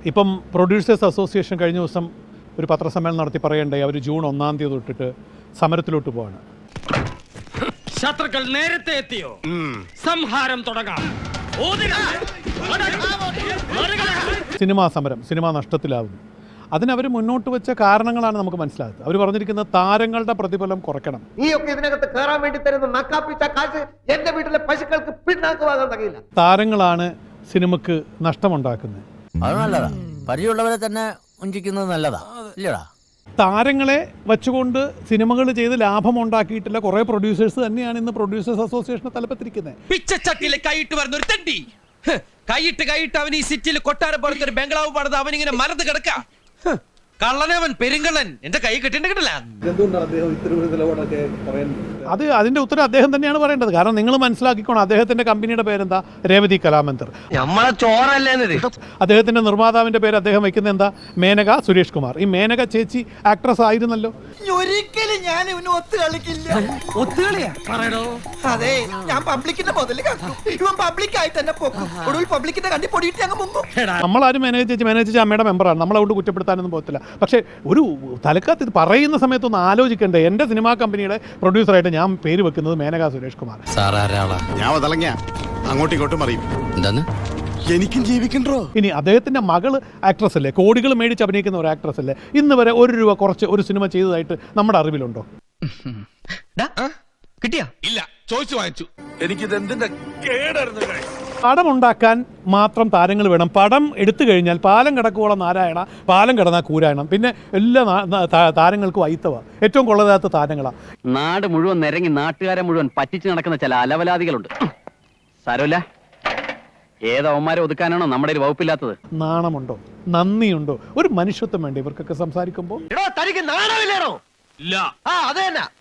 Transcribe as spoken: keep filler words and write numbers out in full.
ഇപ്പം producers association കഴിഞ്ഞ ദിവസം ഒരു പത്രസമ്മേളനം നടത്തി പറയണ്ടേ അവർ ജൂൺ ഒന്നാം തീയതി തൊട്ടിട്ട് സമരത്തിലോട്ട് പോവാണ്. ശത്രുക്കൾ നേരത്തെ എത്തിയോ? സംഹാരം തുടങ്ങാം. സിനിമാ സമരം, സിനിമ നഷ്ടത്തിലാവുന്നു. അതിനവർ മുന്നോട്ട് വെച്ച കാരണങ്ങളാണ് നമുക്ക് മനസ്സിലാകുന്നത്. അവർ പറഞ്ഞിരിക്കുന്നത് താരങ്ങളുടെ പ്രതിഫലം കുറയ്ക്കണം. നീയൊക്കെ ഇതിനകത്ത് കയറാൻ വേണ്ടി തരുന്ന നക്കാപ്പിച്ച കാശ് എന്റെ വീട്ടിലെ പശുക്കൾക്ക് പിന്നാക്കുവാകാൻ കഴിയില്ല. താരങ്ങളാണ് സിനിമക്ക് നഷ്ടമുണ്ടാക്കുന്നത്. അത് നല്ലതാ, പരിചയമുള്ളവരെ തന്നെ വഞ്ചിക്കുന്നത് നല്ലതാ ഇല്ലടാ. താരങ്ങളെ വെച്ചുകൊണ്ട് സിനിമകൾ ചെയ്ത് ലാഭം ഉണ്ടാക്കിയിട്ടില്ല കുറേ പ്രൊഡ്യൂസേഴ്സ് തന്നെയാണ് ഇന്ന് പ്രൊഡ്യൂസേഴ്സ് അസോസിയേഷനെ തലപ്പത്തിരിക്കുന്നത്. പിച്ചച്ചട്ടിയിൽ കൈയിട്ട് വരുന്ന ഒരു തണ്ടി കൈയിട്ട് കൈയിട്ട് അവൻ ഈ സിറ്റിയിൽ കൊട്ടാരം പോലത്തെ ഒരു ബംഗ്ലാവ് പണിത് അവനിങ്ങനെ മരത്ത് കിടക്ക. കള്ളനവൻ പെരുങ്കള്ളൻ എന്റെ കൈ കിട്ടിയിട്ടില്ല. അത് അതിന്റെ ഉത്തരം അദ്ദേഹം തന്നെയാണ് പറയേണ്ടത്. കാരണം നിങ്ങൾ മനസ്സിലാക്കിക്കോണം, അദ്ദേഹത്തിന്റെ കമ്പനിയുടെ പേരെന്താ? രേവതി കലാമന്ദിർ. നമ്മളെ ചോറല്ലേ അദ്ദേഹത്തിന്റെ നിർമ്മാതാവിന്റെ പേര് അദ്ദേഹം വെക്കുന്നത് എന്താ? മേനക സുരേഷ് കുമാർ. ഈ മേനക ചേച്ചി ആക്ട്രസ് ആയിരുന്നല്ലോ. ഒരിക്കലും ഞാൻ ഇവന് ഒത്തു കളിക്കില്ല. ഒത്തുകളിയാ പറയടോ. അതെ, ഞാൻ പബ്ലിക്കിന്റെ മുതല് ഇവൻ പബ്ലിക്കായി തന്നെ പോകും. ഒടുവിൽ പബ്ലിക്കിന്റെ കണ്ടി പൊടിയിട്ട് ഞങ്ങൾ മുങ്ങും. നമ്മളാരും മേനക ചേച്ചി മേനക ചേച്ചി അമ്മയുടെ മെമ്പറാണ്. നമ്മളതുകൊണ്ട് കുറ്റപ്പെടുത്താനൊന്നും പോകത്തില്ല. പക്ഷേ ഒരു തലക്കത്ത് ഇത് പറയുന്ന സമയത്തൊന്ന് ആലോചിക്കണ്ടേ? എൻ്റെ സിനിമാ കമ്പനിയുടെ പ്രൊഡ്യൂസറായിട്ട് ഞാൻ പേര് വെക്കുന്നത് മേനക സുരേഷ് കുമാർ. ഞാൻ വതളങ്ങ അങ്ങോട്ടും ഇങ്ങോട്ടും അറിയും. എന്താണ് എനിക്കും ജീവിക്കണ്ടോ? ഇനി അദ്ദേഹത്തിന്റെ മകള് ആക്ട്രസ് അല്ലേ, കോടികൾ മേടിച്ച് അഭിനയിക്കുന്ന ഒരു ആക്ട്രസ് അല്ലേ. ഇന്ന് വരെ ഒരു രൂപ കുറച്ച് ഒരു സിനിമ ചെയ്തതായിട്ട് നമ്മുടെ അറിവിലുണ്ടോ? കിട്ടിയാ? ഇല്ല, ചോദിച്ചു വാങ്ങിച്ചു. എനിക്കിത് എന്തിന്റെ കേടായിരുന്നു. പടം ഉണ്ടാക്കാൻ മാത്രം താരങ്ങൾ വേണം. പടം എടുത്തു കഴിഞ്ഞാൽ പാലം കിടക്കുവോളം നാരായണ, പാലം കിടന്നാൽ കൂരായണം. പിന്നെ എല്ലാ താരങ്ങൾക്കും വൈത്തവ, ഏറ്റവും കൊള്ളതാത്ത താരങ്ങളാണ്. നാട് മുഴുവൻ നിരങ്ങി നാട്ടുകാരെ മുഴുവൻ പറ്റിച്ച് നടക്കുന്ന ചില അലവലാദികളുണ്ട്. സാരമില്ല, ഏതവന്മാരെ ഒതുക്കാനാണോ നമ്മുടെ ഒരു വകുപ്പില്ലാത്തത്? നാണമുണ്ടോ? നന്ദിയുണ്ടോ? ഒരു മനുഷ്യത്വം വേണ്ടേ ഇവർക്കൊക്കെ സംസാരിക്കുമ്പോൾ? തനിക്ക് നാണമില്ലേണോ? ഇല്ല. ആ അത് തന്നെ.